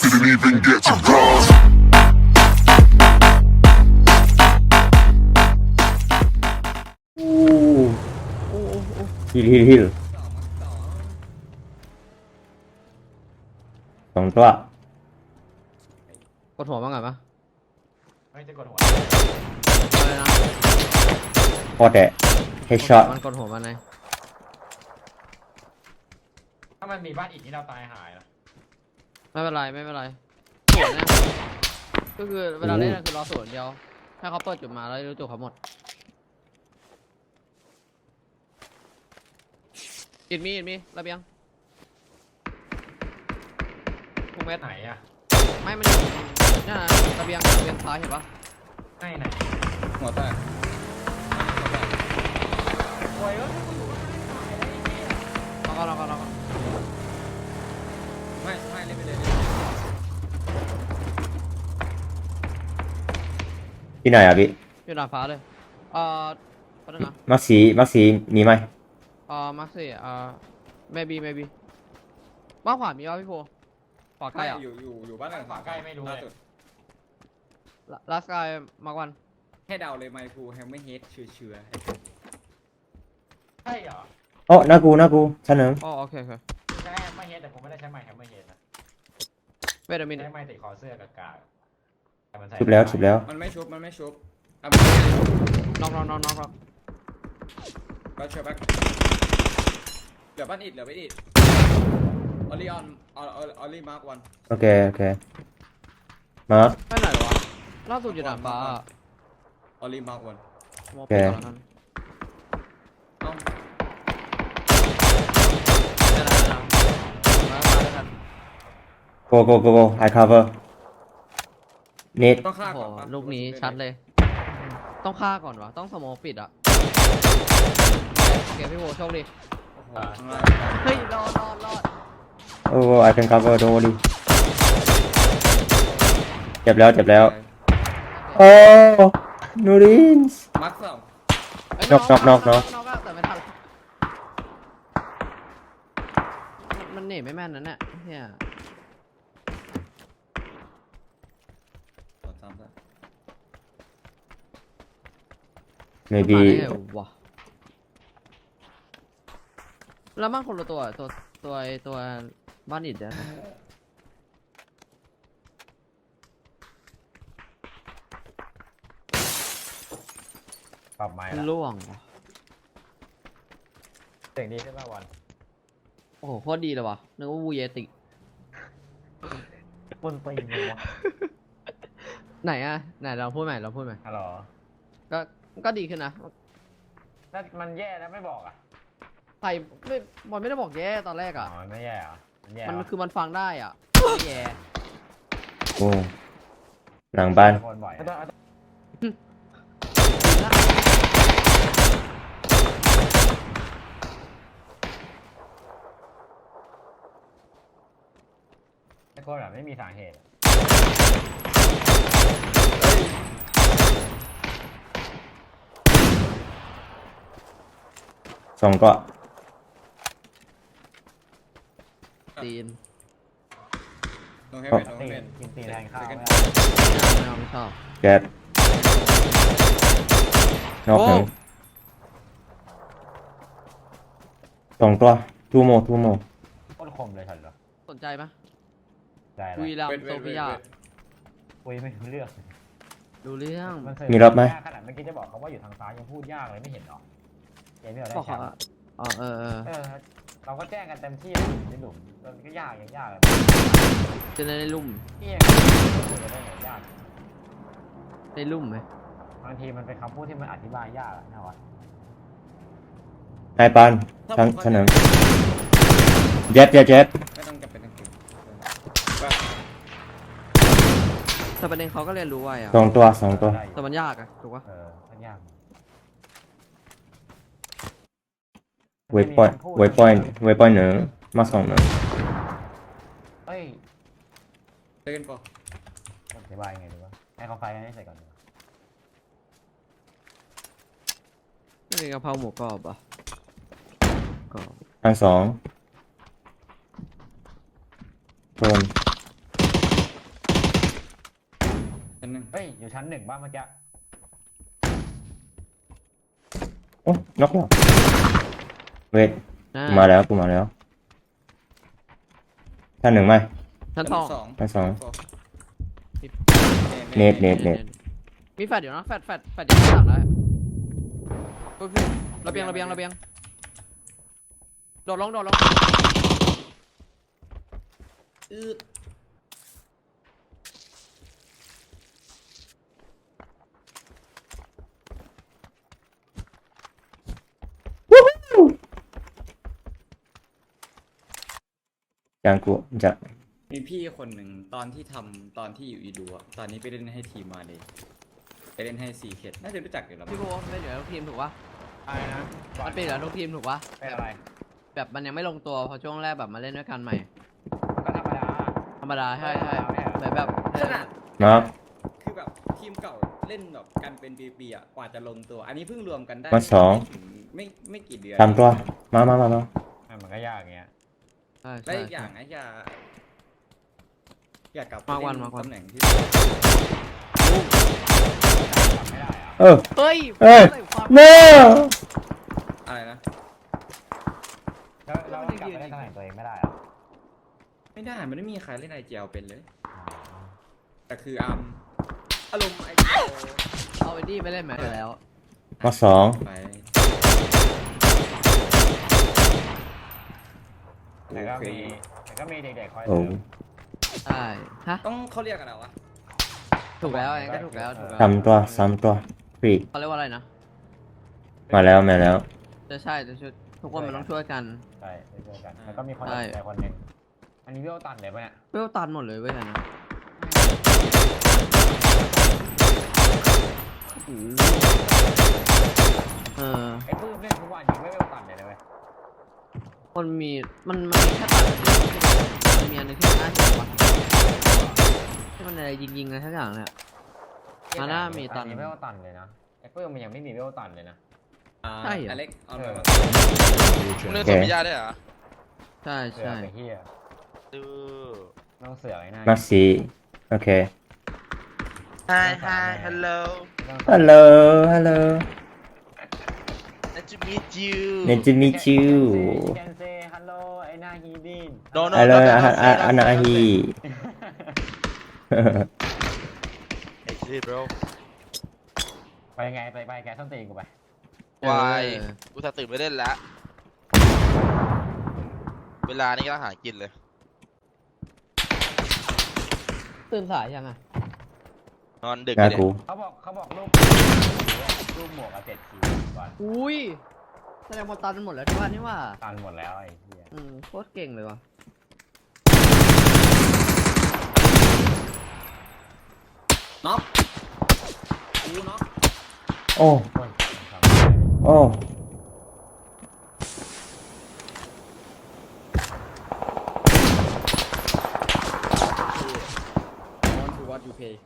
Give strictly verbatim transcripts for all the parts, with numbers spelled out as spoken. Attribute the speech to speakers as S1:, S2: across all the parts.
S1: didn't even get to cross.
S2: ฮิลฮิลฮิลสองตัว
S3: กดหัวบ้างไงปะ
S4: ไม่จะกดหัว
S3: อะไรนะ
S2: พอแต่เฮดช็อต
S3: มันกดหัวมันไง
S4: ถ้ามันมีบ้านอีกนี่เราตายหายนะ
S3: ไม่เป็นไรไม่เป็นไรสวนเนี่ยก็คือเวลาเล่นคือรอสวนเดียวให้เขาเปิดจุดมาแล้วรู้จุดเขาหมดอิดมีอิดมีระเบียงพวกเม็ด
S4: ไหนอะ
S3: ไม่มันอยู่นี่นะระเบียงระเบียงซ้ายเห็นปะ
S4: ไหนไหน
S5: หัวแตก
S4: โอ้ยเอ้ย
S3: แล้วก็แล้วก็แล้วก็
S5: ไม่ไม่เล่นไปเลย
S2: ที่ไหนอ่ะพี่
S3: อยู่ดาดฟ้าเลยเอ่อแป๊บนึงนะ
S2: มักสีมักสีมีไหม
S3: เอ่อมาร์คสี่เอ่อ maybe maybe บ้านขวามีป่ะพี่โพขวาใกล้อ่ะ
S5: อยู่อยู่อยู่บ้านหลังขวาล่าสุด
S3: ลาสกายมาร์ควัน
S5: ให้เดาเลยไมคูแฮมไม่เฮดเชื่อเชื่อ
S4: ใช่เหรอ
S2: โอ้หน้ากูหน้ากูชั้นหนึ่ง
S3: อ๋อโอเคโอเค
S4: ใช้แฮมเมอร์เฮดแต่ผมไม่ได้ใช้ไมค์แฮมเมอร์เฮดนะ
S3: เวทมิน
S4: ใช้ไมค์ติดคอเสื้อกับกากแต่มันใส่
S2: ชุบแล้วชุบแล้ว
S5: มันไม่ชุบมันไม่ชุบอ่ะ
S3: น็อกน็อกน็อกน็อกน็อก
S5: ก็เชื่อแบ็คเหลือบ้านอิดเหลือบ้านอิดออลลี่ออนออออลลี่มาร์กวัน
S2: โอเคโอเคมาร์ค
S3: ไปไหนหรอวะล่าสุดอยู่ด่านฟ้าอะ
S5: ออลลี่มาร์กวัน
S3: มองไปก่อนแล้วกัน
S5: เอ้า
S3: เดี๋ยวนะเดี๋ยวนะมาแล้วกัน
S2: โกโกโกโกไอคัฟเวอร์เน็ต
S5: ต้องฆ่า
S3: โอ้
S5: ก่อน
S3: โห
S5: ปะ
S3: ลูกนี้ชัดเลย ต้องฆ่าก่อนวะต้องสโมอปิดอ่ะโอเคพี่โวโชคดี
S5: โอ้โหข้างล่าง
S3: เฮ้ยรอดรอดรอด
S2: โอ้ไอคันคัฟเวอร์โดนดิเจ็บแล้วเจ็บแล้วโอ้นูรินส์
S5: มาร์กสอง
S3: เอ้ย
S2: น็อกน็อกน็อกน็อก
S3: น็อกอะแต่ไม่ทันมันมันหนีไม่แม่นนั่นแหละเนี่ย
S5: ต่อซ้ำซะ
S2: maybe
S3: มาได้ไงวะแล้วมันคนละตัวตัวตัวไอ้ตัวบ้านอิดเนี่ย
S4: ปรับไม้ละ
S3: ล่วงว่ะ
S4: เสียงดีขึ้นป่ะวัน
S3: โอ้โหโคตรดีเลยว่ะนึกว่าวูเยติ
S4: บนตีนเลยวะ
S3: ไหนอะไหนเราพูดใหม่เราพูดใหม่
S4: ฮัลโหล
S3: ก็ก็ดีขึ้นนะ
S4: ถ้ามันแย่แล้วไม่บอกอ่ะ
S3: ใครไม่บอลไม่ได้บอกแย่ตอนแรก
S4: อ๋อ
S3: อะ
S4: มันไม่แย่เหรอมันแย่
S3: มัน
S4: เหรอ
S3: คือมันฟังได้อ่ะไม่แย่
S2: โอ้หลังบ้าน
S4: คนบ่อยอะไอ้คนแบบไม่มีสาเหตุอะ
S2: สองก็
S3: ตีน
S5: โนเฮเวนโนเฮ
S4: ตี
S5: เวน
S4: กินตีนแทนข้าวไม่
S3: ไม่
S4: เอา
S3: เอาไม่เอาไม่ชอบ
S2: แจ็บนอกหนึ่งสองตัวทูโมทูโม
S4: โคตรคมเลยฉันเหรอ
S3: สนใจไหม
S4: ได้แล้ว
S3: คุยราม
S5: เวท
S3: โซ
S5: เวทเว
S3: ฟิ
S5: ท
S3: ยา
S5: เวท
S4: คุยไม่รู้เรื่อง
S3: ดูเรื่อง
S4: นเคย
S2: มีรอบไหม
S4: ยากขนาดเมื่อกี้จะบอกเขาว่าอยู่ทางซ้ายยังพูดยากเลยไม่เห็นหรอเกมที่เราได้
S3: บอก
S4: แช
S3: เขา
S4: มป์
S3: อะอ๋อเออเออ
S4: เออเราก็แจ้งกันเต็มที่เลยในหลุมมันก็ยากยังยากเลย
S3: จะได้ลุ่ม
S4: พี่เองคุยกันได้ไหนยาก
S3: ได้ลุ่มไหม
S4: บางทีมันเป็นคำพูดที่มันอธิบายยากอะนะวะ
S2: ไอปานชั้นชั้นหนึ่งเจ็บเจ็บเจ็บ
S5: ไม่ต้องจำเป็นต้องเก่ง
S3: แต่ประเด็นเขาก็เรียนรู้ไว้อะ
S2: สองตัวสองตัว
S4: ได้อยู่
S3: แต่มันยากอะถูกปะ
S4: เออมันยาก
S2: เวทพอยต์เวทพอยต์เวทพอยต์หนึ่งมาสองหนึ่ง
S4: เอ้ย
S5: เต้นปะ
S4: อธิบายยังไงดีวะให้เขาไฟกันให้เสร็จก่อนดีกว่า
S3: ไม่มีกะเพราหมูกรอบอะกรอบ
S2: อันสองโดน
S4: เฮ้ยอยู่ชั้นหนึ่งบ้างเมื่อกี้
S2: โอ้นกเหรอเวท
S3: อ่า
S2: กูมาแล้วกูมาแล้วท่านหนึ่งไหม
S3: ชั้นสอง
S5: สอง
S2: ชั้นสอง
S5: เน
S2: เน็
S5: ต
S2: ตเน็ตเน็ต
S3: มีแฟดอยู่นะแฟดแฟดแฟดอยู่ข้างหลังแล้วโอเคระเบียงระเบียงระเบียงโดดลงโดดลง
S5: อืด
S2: จางกูจะ
S5: มีพี่คนหนึ่งตอนที่ทำตอนที่อยู่อีดูอะตอนนี้ไปเล่นให้ทีมมาเลยไปเล่นให้ซีเคดน่าจะรู้จักอยู่แล้วมั้
S3: พี่
S5: ง
S3: โบไม่เหลือทุกทีมถูกปะ
S4: อะไรนะ
S3: มันเป็นเหลือทุกทีมถูกปะ
S4: เป็นอะไร
S3: แบบมันยังไม่ลงตัวพอช่วงแรกแบบมาเล่นด้วยกันใหม่
S4: ก็ธรรมดา
S3: ธรรมดาใช่ใช่
S4: ไม่เอา
S3: เหมือนแบบ
S5: ขนาด
S2: เนาะ
S5: คือแบบทีมเก่าเล่นแบบกันเป็นปีๆอ่ะกว่าจะลงตัว อันนี้เพิ่งรวมกันได้
S2: มาสอง
S5: ไม่ถึไม่ไม่กี่เดือน
S2: ทำตัวมามามามา
S4: มันก็ยากอย่างเงี้ย
S3: ใช่
S5: และ
S3: ใช่
S5: อีกอย่างนะอย่าอย่ากลับไป
S3: มาวัน
S5: เล่น
S3: มาวัน
S5: ตำแหน่งที่
S4: จำไม่ได้อะ
S2: เออ
S3: เฮ้ย
S2: เอ้ย
S3: ใส่ความ
S2: เน่
S5: อะไรนะ
S4: แล้วแล้วกลับไปเล่นตำแหน่งตัวเองไม่ได้เหรอ
S5: ไม่ได้มันไม่มีใครเล่นไอเจลเป็นเลย แต่คืออามอารมณ์ไอเจล
S3: เอาไอ้นี่ไปเล่นไหมไปแล้ว
S2: มาสอง
S5: ไป
S4: แต่ก็
S5: โอเค
S4: มีแต่ก็มีเด็กๆคอย
S2: โอ้
S4: เสริม
S3: ใช่ฮะ
S5: ต้องเขาเรียกอะไรวะ
S3: ถูกแล้วไอ้ก็ถูกแล้วถูกแล้ว
S2: ทำตัวซ้ำตัวฟรี
S3: เขาเรียกว่าอะไรนะ
S2: มาแล้วมาแล้ว
S3: จะใช่จะช่วยทุกคนมันต้องช่วยกัน
S4: ใช่ไปเจอกันแล้วก็มีคน
S3: ใช่
S4: แต่คนหนึ่งอันนี้เวลตันเลยปะเนี่ย
S3: เวลตันหมดเลยเว้ยอันนะเออ
S4: ไอ้ปื้มเล่นทุกวันยิงไม่เวลตันเลยนะเว้ย
S3: มันมีมันมันมีแค่ตัดอันเดียวมันมีอันหนึงที่มันน่าเจ็บว่ะที่มันอะไรยิงๆอะไรทั้งอย่างเนี่ย มาหน้ามีตัน
S4: อัเวลตันเลยนะไอ้ปื้มมันยังไม่มีเวลตันเลยนะ
S5: อ่า
S3: ใช่เหรอ
S5: อเล็กเอาไป
S4: เออ
S5: มา
S1: มึงเล่นตัวพิยาได้เหรอ
S3: ใช่
S4: เสือ
S3: ใช่
S4: ไปเฮีย
S1: ดู
S4: ไม่ต้องเสือไอ้หน้า
S2: มาสีโอเค
S1: Hi hi hello
S2: ฮัลโหลฮัลโหล
S1: nice to meet you
S2: nice to meet you
S4: You can say hello ไอ้หน้าฮีดิน
S1: no no
S2: ฮัลโหล
S1: no no
S2: อาอาอานาฮี
S1: hey shit bro
S4: ไปยังไงไปไปแกส้นตีนกูไป
S1: วายกูจะตื่นไปเล่นแล้ว เวลานี้ก็ต้องหากินเลย
S3: ตื่นสายยังอ่ะ
S1: นอนดึก
S2: งา
S1: เลย
S2: กู
S4: เขาบอกเขาบอกรูปรูปหมวกอะเจ็ดคิวก่อน
S3: อุ้ยแสดงว่าตันหมดแล้วที่ว่านี่ว่า
S4: ตันหมดแล้วไอ้เหี้ย
S3: อืมโคตรเก่งเลยว่ะ
S5: น็อกกูน็อก
S2: โอ้
S4: โอ้ยทำอะไร
S2: โอ้
S5: วอนทูวอตยูเพย์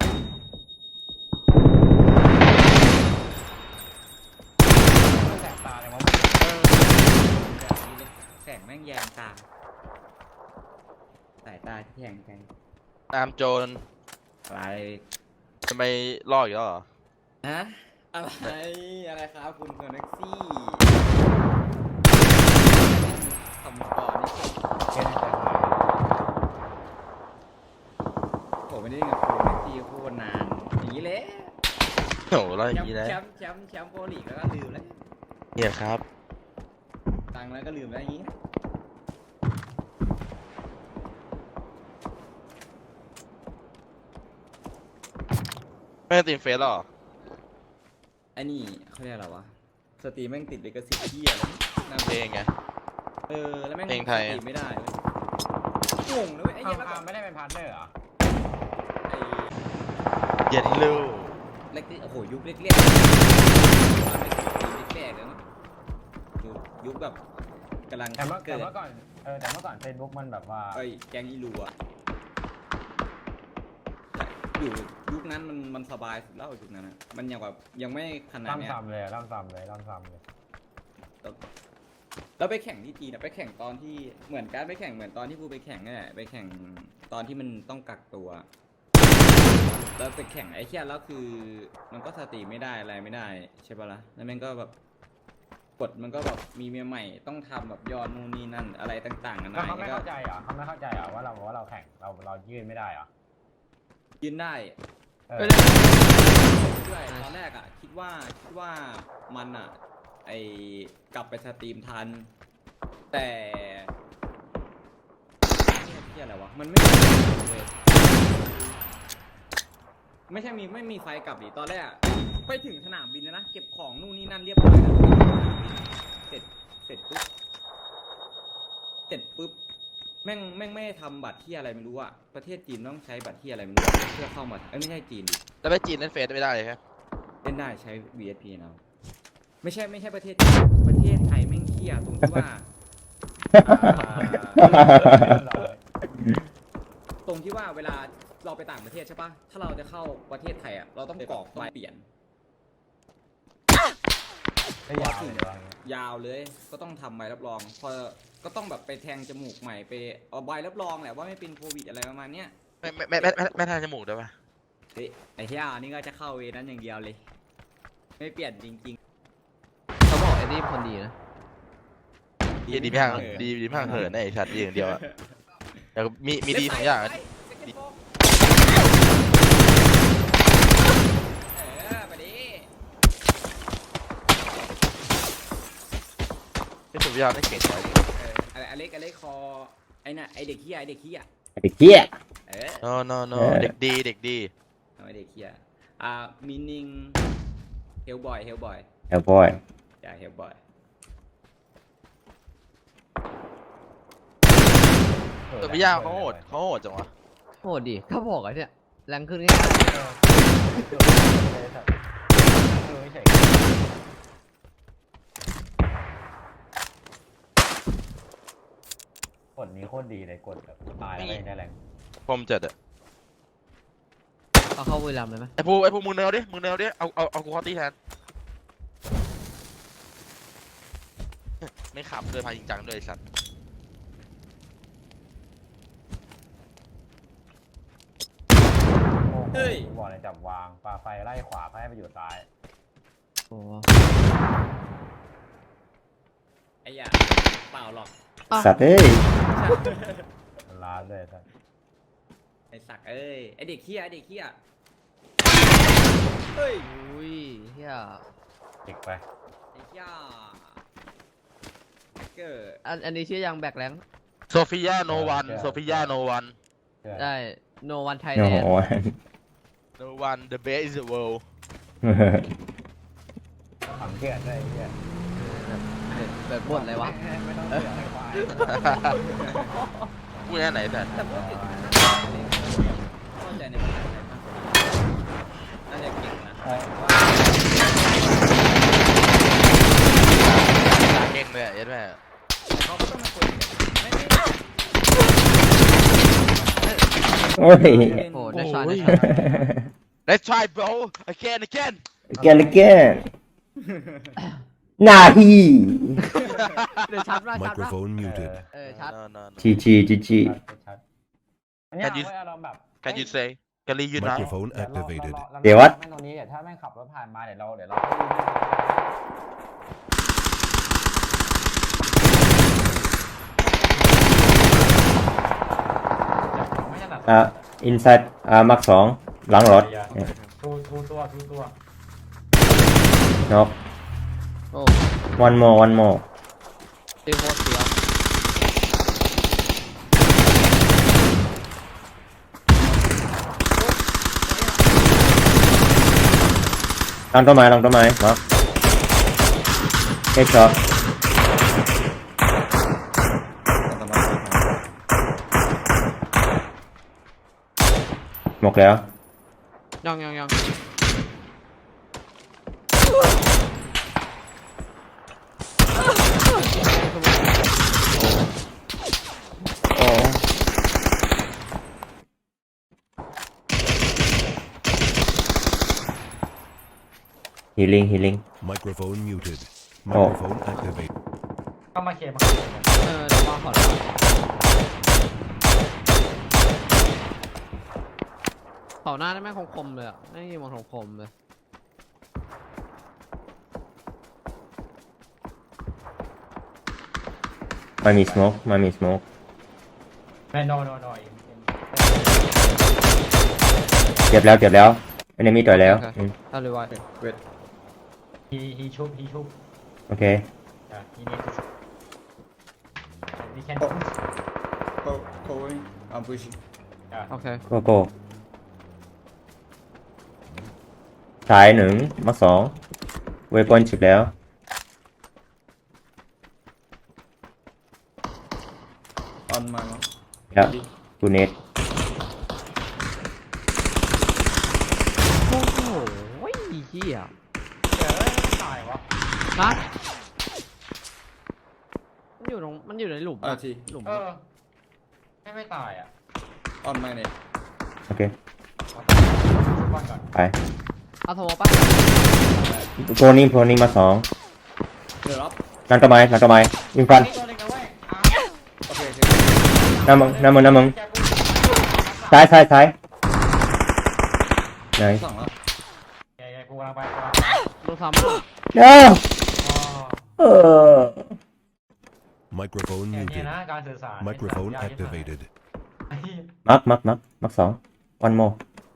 S4: แสบตาเลยมั้ง
S5: แบบนี้เลยแสงแม่งแยงตา สายตาที่แยงไกล
S1: ตามโจร
S5: อะไร
S1: ทำไมล่ออีกแล้วเหรอ
S5: ฮะอะไร อะไรครับคุณคอนเน็กซี่ทำก่อนนี่
S4: เช่นแต่หาย
S5: ผมไม่ได้เล่นกับคุณคอนเน็กซี่โคตรนาน อย่างนี้เลย
S1: โอ้โหล่ออ
S5: แช
S1: ย่าม งนี้
S5: ป์
S1: แล้ว
S5: แชมป์แชมป์แชมป์โปรลีกแล้วก็ลืมแล้ว
S1: เนี่ยครับ
S5: ตังค์แล้วก็ลืมแล้วอย่างนี้
S1: ไม่ได้ตีมเฟสหรอ
S5: ไอ้นี่เขาเรียกอะไรวะ สตรีมแม่งติดลิขสิทธิ์เหี้ยอะไรนั่น
S1: เพลงไง
S5: เออ แล้วแม่ง
S1: เพลงไทย
S5: สตรีมไม่ได้เว้ยงงนะเว้ยไอ้
S4: อ้า
S5: เหี้ยแล้ว
S4: ว
S5: แบบ
S4: ไม่ได้เป็นพาร์ทเนอร์เหรอ
S5: ไอ้
S1: เย็นลูก
S5: เล็กๆโอ้โห ยุคเล็กๆไม่ถึงปีแรกๆเลยมั้งยุคยุคแบบกำลัง
S4: แต่เมื่อแต่
S5: เกิด
S4: เมื่อก่อนเออแต่เมื่อก่อนเฟซบุ๊กมันแบบว่า
S5: ไอ้แกงอีลูอะอยู่ยุคนั้นมันมันสบายสุดแล้วยุคนั้นอะมันยังแบบยังไม่ขนาด
S4: ล่ำ
S5: เนี้ย
S4: ซ้ำเลยล่ำซ้ำเลยล่ำซ้ำเลย
S5: แล้วไปแข่งที่จีนอะไปแข่งตอนที่เหมือนการไปแข่งเหมือนตอนที่กูไปแข่งนี่แหละไปแข่งตอนที่มันต้องกักตัวแล้วไปแข่งไอ้เหี้ยแล้วคือมันก็สตรีมไม่ได้อะไรไม่ได้ใช่ปะล่ะแล้วมันก็แบบกฎมันก็แบบมีเมียใหม่ต้องทำแบบยอดนู่นนี่นั่นอะไรต่างๆกันา
S4: แล้ว
S5: นา
S4: เขาไม่
S5: ก็
S4: เข้าใจเหรอเขาไม่เข้าใจเหรอว่าเราว่าเราแข่งเราเรายื่นไม่ได้เหรอ
S5: ยืนได้
S4: เออ
S5: ด้วยตอนแรกอ่ะคิดว่าคิดว่ามันอ่ะไอกลับไปสตรีมทัน แต่เนี่ยเหี้ยอะไรวะมันไม่มีเลยไม่ใช่มีไม่มีไฟกลับดิตอนแรกอะไปถึงสนามบินนะนะเก็บของนู่นนี่นั่นเรียบร้อยแล้วเสร็จเสร็จปุ๊บเสร็จปุ๊บแม่งแม่งไม่ได้ทำบัตรที่อะไรไม่รู้อะประเทศจีนต้องใช้บัตรที่อะไรไม่รู้เพื่อเข้ามาเอ้ยไม่ใช่จีนดิ
S1: แล้วไปจีนเล่นเฟซไม่ได้เลยครับ
S5: เล่นได้ใช้ วี เอส พี นะไม่ใช่ไม่ใช่ประเทศจีนประเทศไทยแม่งเที่ยตรงที่ว่าอ่าตรงที่ว่าเวลาเราไปต่างประเทศใช่ปะถ้าเราจะเข้าประเทศไทยอะเราต้องกรอกใบเปลี่ยน
S4: ไม่ยาวเลยเหรอย
S5: าวเลยก็ต้องทำใบรับรองพอก็ต้องแบบไปแทงจมูกใหม่ไปเอาใบรับรองแหละว่าไม่เป็นโควิดอะไรประมาณเนี้ย
S1: ไม่ไม่ไม่ไม่ไม่ไม่ทานจมูกได้ปะ
S5: เฮ้ยไอ้เหี้ยนี่ก็จะเข้าเวรนั้นอย่างเดียวเลย ไม่เปลี่ยนจริง
S3: เขาบอกไอ้นี่คนดีนะ
S5: ๆ
S1: ดีดีไม่ห่างดีดีไม่ห่างเหินไอ้สัตว์ดีอย่างเดียวอะแต่มีมีดีสองอย่างอะ
S5: เออไปดิ
S1: ที่สุดยอดได้เก่งเลย
S5: เอออะไรอเล็กอเล็กคอไอ้น่ะไอเด็กเหี้ยไอเด็กเหี้ย
S2: ไอ้เหี้ย
S5: เออ
S1: no no no
S2: เออ
S1: เด็กดีเด็กดี
S5: เอาไอเด็กเหี้ยอ่ามินิงเฮลบอยเฮลบอย
S2: เอลบอย
S5: อย่าเฮลบอย
S1: ตัวพี่ย่าเขาโหดเขาโหดจังวะ
S3: โหดดิเขาบอกไอ้เนี่ยแรงขึ้นง่าย
S4: เออเออไม่ใช่กดนี้โคตรดีเลยกดแบบตายแล้วไม่ได้แรง
S1: พรมเจ็ดอะ
S3: ๆเอาเข้าบุรีรัมย์เลยไหม
S1: ไอ้ผู้ไอ้ผู้มึงเนวดิมึงเนวดิเอาเอาเอากูคอตี้แทนไม่ขับเลยพาจริงจังด้วยไอ้สัตว์
S4: เฮ้ยบอกเลยจับวางปาไฟไล่ขวาเพื่อให้ไปอยู่ซ้าย
S3: โอ้
S5: ไอ้ยาเปล่าหรอก
S2: สัตว์เอ้ย
S4: ล้านเลยสัส
S5: ไอ้สักเอ้ยไอเด็กเหี้ยไอเด็กเหี้ยเฮ้ย
S3: อุ้ยเฮีย
S4: จิกไป
S5: ไอ้เหี้ยเกิด
S3: อันอันนี้ชื่อยังแบกแรง
S1: โซฟิยาโนวันโซฟิยาโนวัน
S4: เชื่อ
S3: ได้ no one
S2: โอ้
S3: Thailand
S2: โห
S1: โนวัน the best in the world
S4: ฝังเชื่อด้วยไอ้เหี้ย
S3: แบบบทอะไรวะ
S4: ไม่ต้องเสือกให้ควาย
S1: พูดแค่ไหนแต่
S5: แต่พูดถึงเข้าใจในภาษาไทยมากกว่าน่าจะเก่งนะ
S4: เออ
S1: เก่งเลยอะยัดแม่
S5: แต่เขาก็ต้องมาคุยกันไม่ไม่
S2: โอ้ย
S3: โอ้ได้ช็อต
S1: โอ้
S3: ได้
S1: ย
S3: ช็อต
S1: let's try bro again again
S2: แกนแกนนาฮี
S3: เดี๋ยวชัดมากชัดมาก
S6: Microphone
S4: เอ
S6: muted.
S4: อ
S3: เออชัด
S1: no no no
S2: จีจีจีจี
S4: ชัดชัดอันเนี้ย
S1: Can you-
S4: เว้ยอารมณ์แบบ
S1: can you say can you now
S6: Microphone
S4: เดี๋ยวเรา
S6: activated.
S4: เราเรา
S2: เดี๋ยววัด
S4: แม่งตรงนี้เดี๋ยวถ้าแม่งขับรถผ่านมาเดี๋ยวเราเดี๋ยวเราไม่ถนัด
S2: อ่าอินไซด์อ่ามักสองหลังรถ
S4: ทูทูตัวทูตัวน
S2: ก
S3: โอ้
S2: one more one more
S3: ตีโคตรเสียว
S2: หลังต้นไม้หลังต้นไม้เนาะเฮดช็อตหมกแล้ว
S3: ยังยังยัง
S2: โอ้ฮีลิงฮีลิง
S6: Microphone muted.
S2: Oh.
S6: Microphone activated.
S4: เข้ามาเคลียร์มา
S3: เออเดี๋ยวมาขอโทษขเขาหน้าได้แม่งคมๆเลยอ่ะไม่ยิงมันคมๆเลย
S2: มันมี smoke มันมี smoke
S4: ไม่ no no no
S2: เก็บแล้วเก็บแล้ว enemy ต่อยแล้วอืม
S3: เอาเลยไว้
S5: wait
S4: he he ชุบ he ชุบ
S2: โอเค
S4: yeah he need to he can
S5: Oh. go going I'm pushing
S3: โอเค
S2: โกโก้สายหนึ่งมาสองเวปอนจิบแล้ว
S5: on my mark
S2: แล้วกูเน็ต
S3: โอ้โหเฮีย
S4: เจอไม่ตายวะ
S3: ฮะมันอยู่ตรงมันอยู่ในหลุม
S5: อ่า
S3: อะ
S5: ที
S3: หลุม
S4: เอ
S3: อะ
S4: อไม่ไม่ตายอ่ะ
S5: on my net
S2: โอเค
S4: ชุบก่อนก่อน
S2: ไป
S3: เอาโทรป่ะ
S2: โพนี่โพนี่มาสอง
S5: เดี๋ยวรับ
S2: นั่นต้นไม้นั่นต้นไม้ยิงฟัน
S4: นี่ตัวหนึงนะเว้ยอ่ะ
S5: โอเคโอเค
S2: น้ำมึงน้ำมึงน้ำมึง
S4: แกกู
S2: ซ้ายซ้ายซ้ายไหน
S5: สองแล้ว
S4: แกแกกูกำลังไปกูกำลังไป
S3: ดูซ้ำอะ
S2: เอ้า
S4: อ๋อ
S2: เออ
S6: Microphone
S4: เนี่ยเนี่ย
S6: muted.
S4: นะการสื่อสาร
S6: Microphone
S4: ยากที่สุด
S6: activated.
S4: ไอ้เหี้ย
S2: มักมักมักมักสอง one more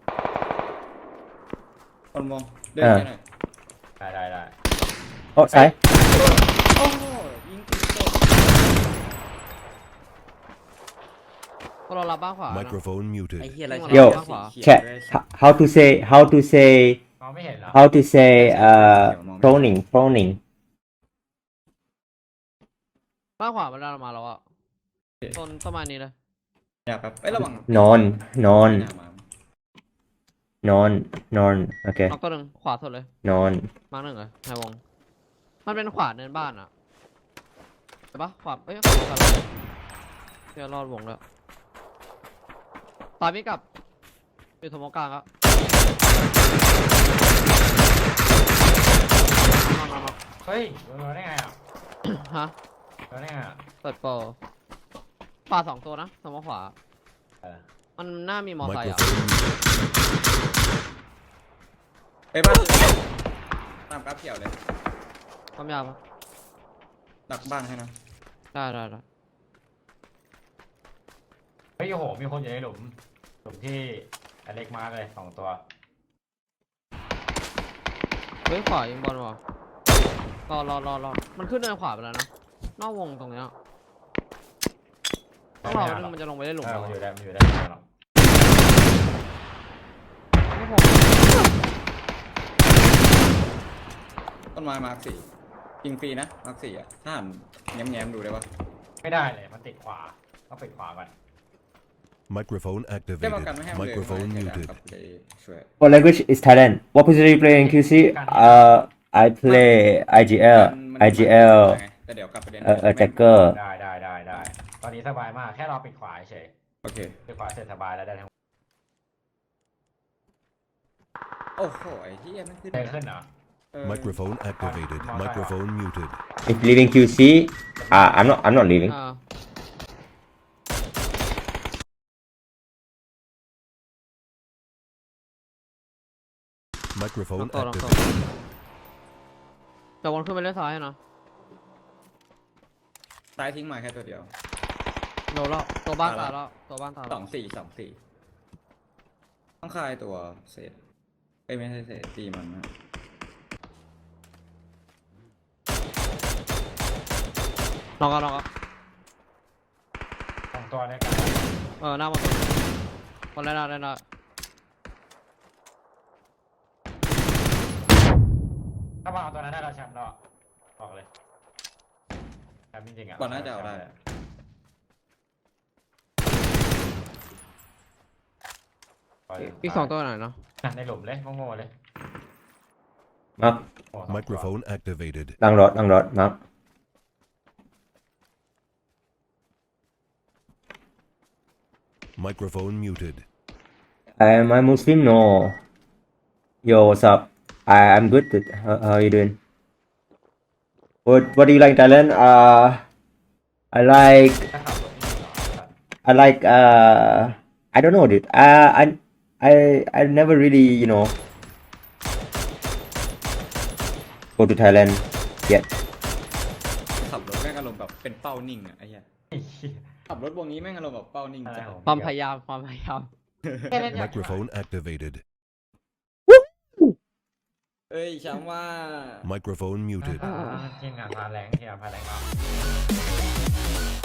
S5: on มองเดิน
S2: อ่า
S5: แค่ไหน
S4: ได้ได้ได้
S2: โอ้ซ้าย
S5: โอ้โหยิงติดโต๊ะ
S3: พวกเรารับบ้างขวานะ
S6: Microphone
S5: ไอ้
S6: muted.
S5: เหี้ยอะไร
S3: โย่
S2: แค่ how to say how to say
S4: มองไม่เห็นเหรอ
S2: how to say uh proning proning
S3: บ้างขวามันได้มาแล้วอะต้นประมาณนี้เลย
S5: อย่าครับไอ้ยระวัง
S2: นอนนอน
S5: หามาน
S2: อนนอนโอเค
S3: น็อกตัวหนึ่งขวาสุดเลย
S2: นอน
S3: มาร์คหนึ่งเลยในวง มันเป็นขวาเนินบ้านอะใช่ปะขวาเอ้ยขวาขวาเดี๋ยวรอดวงแล้วตายไม่กลับอยู่ถมกลางอะมามามา
S4: เฮ้ยรู้ได้ไงอ่ะ
S3: ฮะ
S4: รู้ได้ไงอ่ะ
S3: เปิดโปรขวาสองตัวนะถมขวา
S4: เออ
S3: มันน่ามีมอไซค์อะ
S6: Microphone muted.
S5: ไปบ้านตามกราฟเขียวเลย
S3: ความยาวปะ
S5: ดักบ้านให้นะ
S3: ได้ได้ได้
S4: เฮ้ยโอ้โหมีคนอยู่ในหลุมหลุมที่อเล็กมาร์กเลยสองตัว
S3: เฮ้ยขวายิงบอลว่ะรอรอรอรอมันขึ้นเนินขวาไปแล้วนะ นอกวงตรงเนี้ยต้องรอแป๊บนึงมันจะลงไปได้หลุม
S4: เออ
S3: เรา
S4: มัน
S3: อะ
S4: อยู่ได้มันอยู่ได้ไม่ได้หรอก
S3: ไม่ผม
S5: ต้นไม้มาร์คสี่ยิงฟรีนะมาร์คสี่อ่ะถ้าหันแง้มๆดูได้ปะ
S4: ไม่ได้เลยมันติดขวาต้องปิดขวาก่อน
S6: Microphone
S5: ได้มา
S6: activated.
S5: กันไม่ให้มันเลย
S6: Microphone
S5: ไม่ให้
S6: muted.
S5: ครับเลยช่วย
S2: What language is Thailand What position you play in คิว ซี uh I play ไอ จี แอล
S5: มัน
S2: ไอ จี แอล
S5: แต่เดี๋ยวกลับไปเรียน
S2: เออเออแจ็คเกอร์
S4: ได้ได้ได้ได้ตอนนี้สบายมากแค่รอปิดขวาเฉย
S5: โอเค
S4: ปิดขวาเสร็จสบายแล้วได้ทั้ง
S5: โอ้โหไอ้ที่มันขึ้น
S4: เดินขึ้นเหรอ
S5: เออ
S6: Microphone activated. Microphone muted.
S2: if leaving คิว ซี uh I'm not I'm not leaving
S3: อ่า
S6: Microphone
S3: ตัวลองตัว
S6: activated.
S3: แต่วนขึ้นไปเล่นซ้ายให้นะ
S5: ตายทิ้งมาแค่ตัวเดียว
S3: โดนแล้วตัวบ้าน
S5: ตา
S3: ตาย ย
S5: แล้
S3: แล้ว วตัวบ้านตาย
S5: ส
S3: แล้
S5: อ
S3: ว
S5: งสี่สองสี่ต้องคายตัวเศษเอ้ยไม่ใช่เศษตีมันนะ
S3: ลองกันลองกัน
S4: สองตัวด้วยกัน
S3: เออหน้าบอลบอลได้ได้ได้
S4: ถ้ามาเอาตัวนั้นได้เราแชมป์แล้วอะบอกเลยแชมป์จริงๆอ่ะ
S5: ก่อนน่าจะเอาได้
S3: อีกสองตัวไหนเนาะ
S4: อ่ะในหลุมเลยโง่ๆเลย
S2: มัก
S4: โง่สองตัว
S6: Microphone activated.
S2: ลังรถลังรถมัก
S6: Microphone muted.
S2: Am I Muslim no Yo what's up I I'm good how, how are you doing What what do you like in Thailand uh I like
S4: ถ้าขับรถนี่เหรอ
S2: I like uh I don't know dude uh I I I never really you know go to Thailand yet
S5: ขับรถแม่งอารมณ์แบบเป็นเป้านิ่งอะไอ้เหี้ยขับรถวงนี้แม่งอารมณ์แบบเป้านิ่ง
S4: อะไร
S5: จัด
S4: ของ
S3: ความพยายามความพยายาม
S6: Microphone activated.
S5: เอ้ยช้ำว่า
S6: Microphone muted.
S4: ทีมงานพาแรงทีมงานพาแรงเนาะ